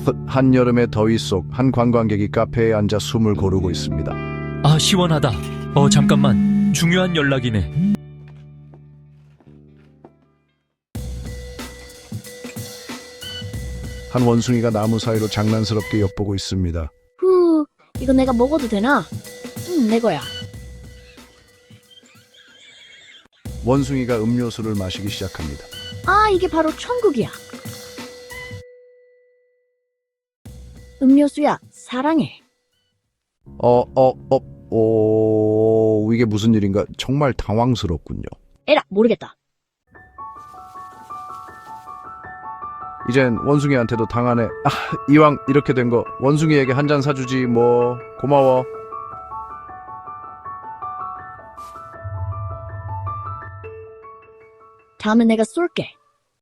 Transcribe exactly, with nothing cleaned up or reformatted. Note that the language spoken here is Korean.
한여름의 더위 속 한 관광객이 카페에 앉아 숨을 고르고 있습니다. 아, 시원하다. 어, 잠깐만. 중요한 연락이네. 한 원숭이가 나무 사이로 장난스럽게 엿보고 있습니다. 후, 이거 내가 먹어도 되나? 응, 내 거야. 원숭이가 음료수를 마시기 시작합니다. 아, 이게 바로 천국이야. 음료수야, 사랑해. 어, 어, 어, 오, 이게 무슨 일인가? 정말 당황스럽군요. 에라, 모르겠다. 이젠 원숭이한테도 당하네. 아, 이왕 이렇게 된 거 원숭이에게 한 잔 사주지 뭐. 고마워. 다음엔 내가 쏠게.